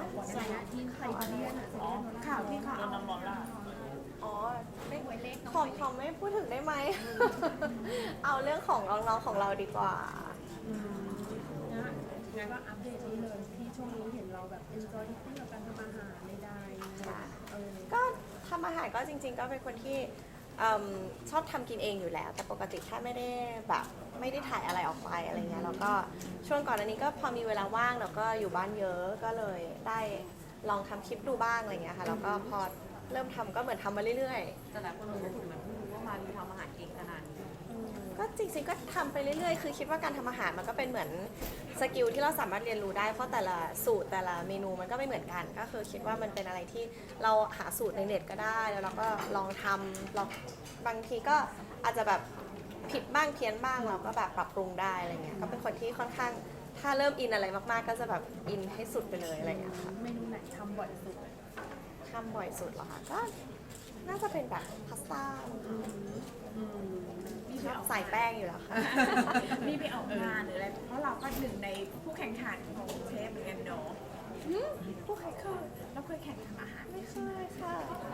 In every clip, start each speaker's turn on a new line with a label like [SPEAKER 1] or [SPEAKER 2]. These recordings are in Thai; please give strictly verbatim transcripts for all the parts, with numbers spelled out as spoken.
[SPEAKER 1] ก่อนหน้านี้ที่ไทยเรียนข่าวที่เขาเอาน้ำร้อนราด
[SPEAKER 2] อ๋อไม่ของของไม่พูดถึงได้ไหม เอาเรื่องของน้องๆของเราดีกว่า
[SPEAKER 1] นะงั้นก็อัปเดตนี้เลยที่ช่วงนี้เห็นเราแบบ enjoy ที่กับการทำอาหารในได้
[SPEAKER 2] ก็ทำอาหารก็จริงๆก็เป็นคนที่ชอบทำกินเองอยู่แล้วแต่ปกติถ้าไม่ได้แบบไม่ได้ถ่ายอะไรออกไปอะไรเงี้ยแล้วก็ช่วงก่อนอันนี้ก็พอมีเวลาว่างแล้วก็อยู่บ้านเยอะก็เลยได้ลองทำคลิปดูบ้างอะไรเงี้ยค่ะแล้วก็พอเริ่มทำก็เหมือนทำมาเรื่อย
[SPEAKER 3] ๆแต่หลายคนรู้สึกเหมือนเพิ่งรู้ว่ามามีทำอาหารเก่งขนาดนี้
[SPEAKER 2] ก็จริงๆก็ทำไปเรื่อยๆคือคิดว่าการทำอาหารมันก็เป็นเหมือนสกิลที่เราสามารถเรียนรู้ได้เพราะแต่ละสูตรแต่ละเมนูมันก็ไม่เหมือนกันก็คือคิดว่ามันเป็นอะไรที่เราหาสูตรในเน็ตก็ได้แล้วเราก็ลองทำลองบางทีก็อาจจะแบบผิดบ้างเพี้ยนบ้างเราก็แบบปรับปรุงได้อะไรเงี้ยก็เป็นคนที่ค่อนข้างถ้าเริ่มอินอะไรมากๆก็จะแบบอินให้สุดไปเลยอะไรเงี้ยค่ะ
[SPEAKER 1] เมนูไหนทำบ่อยสุด
[SPEAKER 2] ทำบ่อยสุดเหรอคะก็น่าจะเป็นแบบพาสต้าใส่แป้งอยู่แล้วค่ะ
[SPEAKER 1] มีไปออกงานหรืออะไรเพราะเราก็หนึ่งในผู้แข่งขันของเชฟเหมือนกันเนาะ
[SPEAKER 2] ผู้แข่งขัน
[SPEAKER 1] เราเคยแข่งทำอาหาร
[SPEAKER 2] ไม่เคยค่ะ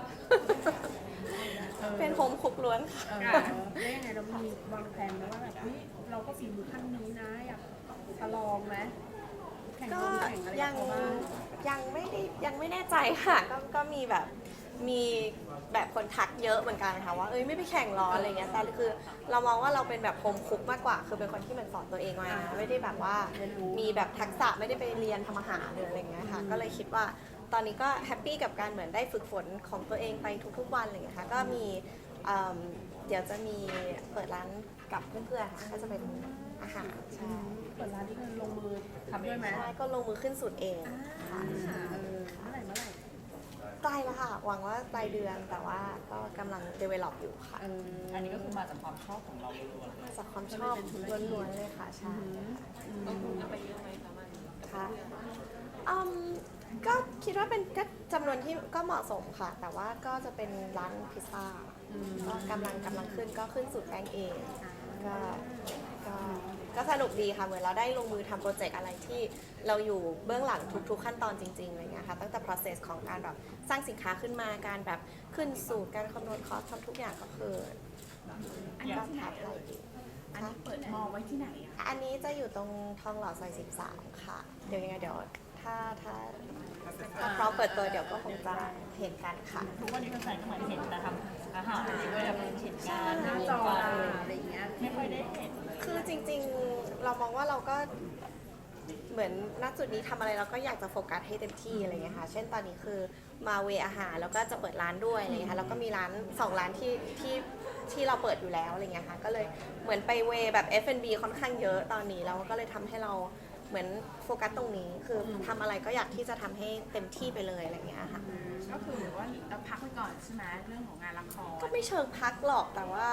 [SPEAKER 2] เป็นโฮมคุกล้วนค่ะ
[SPEAKER 1] แล้วยังไงเรามีวางแผนไหมว่าแบบนี่เราก็ฝีมือขั้นนี้นะอยากจะลองไหม
[SPEAKER 2] ก็ยังยังไม่ได้ยังไม่แน่ใจค่ะก็ก็มีแบบมีแบบคนทักเยอะเหมือนกันค่ะว่าเอ้ยไม่ไปแข่งหรออะไรเงี้ยแต่คือเรามองว่าเราเป็นแบบโฮมคุกมากกว่าคือเป็นคนที่มันสอนตัวเองมาไม่ได้แบบว่ามีแบบทักษะไม่ได้ไปเรียนทำอาหารหรืออะไรเงี้ยค่ะก็เลยคิดว่าตอนนี้ก็แฮปปี้กับการเหมือนได้ฝึกฝนของตัวเองไปทุกๆวันอะไรเงี้ยค่ะก็มีเดี๋ยวจะมีเปิดร้านกับเพื่อนๆค่ะก็จะเป็นอาหารใช่
[SPEAKER 1] เปิดร้านที่มันลงมือทำด้วยไหม
[SPEAKER 2] ใช่ก็ลงมือขึ้นสูตรเอง
[SPEAKER 1] ค่ะเมื่อไหร่เมื่อไหร่
[SPEAKER 2] ใกล้แล้วค่ะหวังว่าปลายเดือนแต่ว่าก็กำลัง develop อยู่ค่ะ
[SPEAKER 3] อันนี้ก็คือมาจากความชอบของเราล้วน
[SPEAKER 2] ๆมาจากความชอบล้วนๆเลยค่ะใช่
[SPEAKER 3] ต้องคุไปเยอะไหมคะมัน
[SPEAKER 2] ค่ะก็คิดว่าเป็นก็จำนวนที่ก็เหมาะสมค่ะแต่ว่าก็จะเป็นร้านพิซซ่าก็กำลังกำลังขึ้นก็ขึ้นสูตรแป้งเองก็ก็ก็สนุกดีค่ะเหมือนเราได้ลงมือทำโปรเจกต์อะไรที่เราอยู่เบื้องหลังทุกๆขั้นตอนจริงๆอะไรเงี้ยค่ะตั้งแต่ process ของการแบบสร้างสินค้าขึ้นมาการแบบขึ้นสูตรการคำนวณคอสทำทุกอย่างก็คือ
[SPEAKER 1] อันนี้ที่ไหนเอ่ยอันนี้เปิดมอไว้ที่ไหนอ่ะ
[SPEAKER 2] อันนี้จะอยู่ตรงทองหล่อซอยสิบสามค่ะเดี๋ยวยังไงเดี๋ยวถ้าถ้าถ้าพร้อมเปิดตัวเดี๋ยวก็คงจะเห็นกันค่ะ
[SPEAKER 3] ทุกวันนี้แฟนๆก็เหมือนเห็นแต่ทำอาหารด้วยแบบเห็นงาน
[SPEAKER 1] หน้าจออะไรอย่างเงี้ย
[SPEAKER 3] ไม่ค่อยได้เห็น
[SPEAKER 2] คือจริงๆเรามองว่าเราก็เหมือนณจุดนี้ทำอะไรเราก็อยากจะโฟกัสให้เต็มที่อะไรเงี้ยค่ะเช่นตอนนี้คือมาเวอาหารแล้วก็จะเปิดร้านด้วยอะไรเงี้ยค่ะแล้วก็มีร้านสองร้านที่ที่ที่เราเปิดอยู่แล้วอะไรเงี้ยค่ะก็เลยเหมือนไปเวแบบ เอฟ แอนด์ บี ค่อนข้างเยอะตอนนี้แล้วก็เลยทำให้เราเหมือนโฟกัสตรงนี้คือทำอะไรก็อยากที่จะทำให้เต็มที่ไปเลยอะไรเงี้ยค่ะ
[SPEAKER 1] ก็คือว่าเราพักไปก่อนใช่ไหมเรื่องของงานละคร
[SPEAKER 2] ก็ไม่เชิงพักหรอกแต่ว่า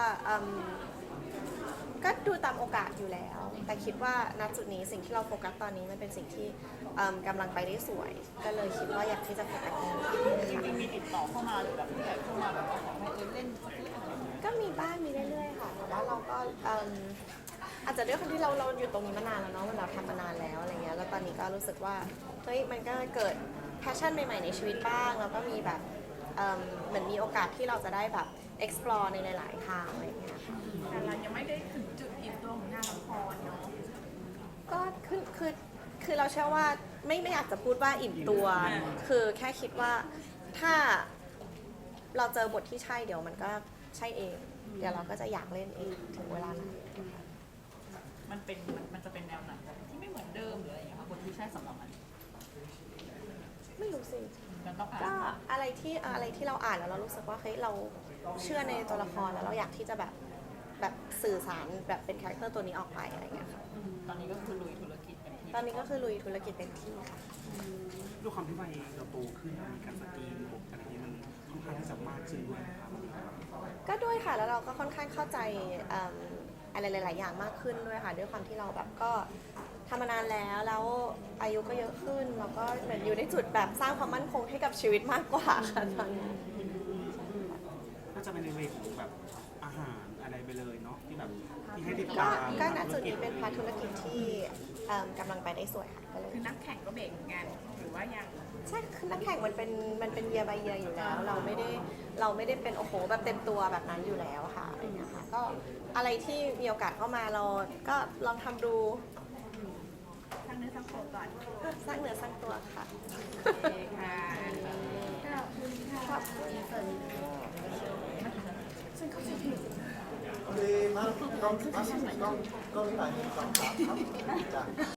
[SPEAKER 2] ก็ดูตามโอกาสอยู่แล้วแต่คิดว่าณจุดนี้สิ่งที่เราโฟกัสตอนนี้มันเป็นสิ่งที่กำลังไปได้สวยก็เลยคิดว่าอยากที่จะโฟกัสตรงนี้
[SPEAKER 3] จริงๆมีติดต่อเข้ามาหรือแบบผู้ใหญ่เข้ามาแบบว่าขอให้เล่นสักเรื่องอะไร
[SPEAKER 2] ก็มีบ้างมีเรื่อยๆค่ะแต่ว่าเราก็อาจจะด้วยความที่เราเราอยู่ตรงนี้มานานแล้วเนาะมันเราทำมานานแล้วอะไรเงี้ยแล้วตอนนี้ก็รู้สึกว่าเฮ้ยมันก็เกิดแพชชั่นใหม่ๆในชีวิตบ้างแล้วก็มีแบบเหมือนมีโอกาสที่เราจะได้แบบ explore ในหลายๆทางอะไรเงี้ย
[SPEAKER 1] แต่เรายังไม่ได้ถึงจุดอิ่มตัวของงานละครเนาะ
[SPEAKER 2] ก็คือคือคือเราเชื่อว่าไม่ไม่อยากจะพูดว่าอิ่มตัวคือแค่คิดว่าถ้าเราเจอบทที่ใช่เดี๋ยวมันก็ใช่เองเดี๋ยวเราก็จะอยากเล่นเองถึงเวลานั้น
[SPEAKER 3] มันเป็นมันจะเป็นแนวหนังที่ไม่เหมือนเดิมหรืออะไรอย่างเงี้ยค่ะบทที่ใช่สำหรับมัน
[SPEAKER 2] ไม่รู้สิก็อะไรที่อะไรที่เราอ่านแล้วเรารู้สึกว่าเฮ้ยเราเชื่อในตัวละครแล้วเราอยากที่จะแบบแบบสื่อสารแบบเป็นคาแรคเตอร์ตัวนี้ออกไปอะไรเงี้ยค่ะ
[SPEAKER 3] ตอนนี้ก็คือลุยธุรกิจเต็มที่
[SPEAKER 2] ตอนนี้ก็คือลุยธุรกิจเต็มที่ค่ะ
[SPEAKER 4] ด้วยความที่วัยเราโตขึ้นมีการสกรีนบวกอะไรนี้มันค่อนข้างที่จะมากขึ้นด้วยครับ
[SPEAKER 2] ก็ด้วยค่ะแล้วเราก็ค่อนข้างเข้าใจอะไรหลายๆอย่างมากขึ้นด้วยค่ะด้วยความที่เราแบบก็ทำมานานแล้วแล้วอายุก็เยอะขึ้นแล้วก็เหมือนอยู่ในจุดแบบสร้างความมั่นคงให้กับชีวิตมากกว่าค่ะตอนนี้
[SPEAKER 4] น่าจะเป็นในเวของแบบอาหารอะไรไปเลยเนาะที่แบบ
[SPEAKER 2] ค
[SPEAKER 4] ที่ให้ติด
[SPEAKER 2] ก็
[SPEAKER 4] ตาม
[SPEAKER 2] ก็ณจุดนี้เป็นพาร์ทธุรกิจที่เอิ่มกำลังไปได้สวยค่ะก็เลย
[SPEAKER 5] คือนักแข่งก็เบรกงานหรือว่ายัง
[SPEAKER 2] ใช่คือนักแข่งมันเป็นมันเป็นเยียร์บายเยียร์อยู่แล้ว เราไม่ได้เราไม่ได้เป็นโอ้โหแบบเต็มตัวแบบนั้นอยู่แล้วค่ะอะไรอย่างเงี้ยค่ะก็อะไรที่มีโอกาสเข้ามาเราก็ลองทำดู
[SPEAKER 5] ทั้งเนื้อทั้งตัวก่อน
[SPEAKER 2] สร้างเนื้อสร้างตัวค่ะ
[SPEAKER 5] โอเคค่ะ
[SPEAKER 1] ขอบคุณค่ะ
[SPEAKER 2] ขอบคุณค่ะ
[SPEAKER 6] ดีมากกล้องกล้องกล้องนี้หน่อยหนึ่งสองสามครับจ้ะ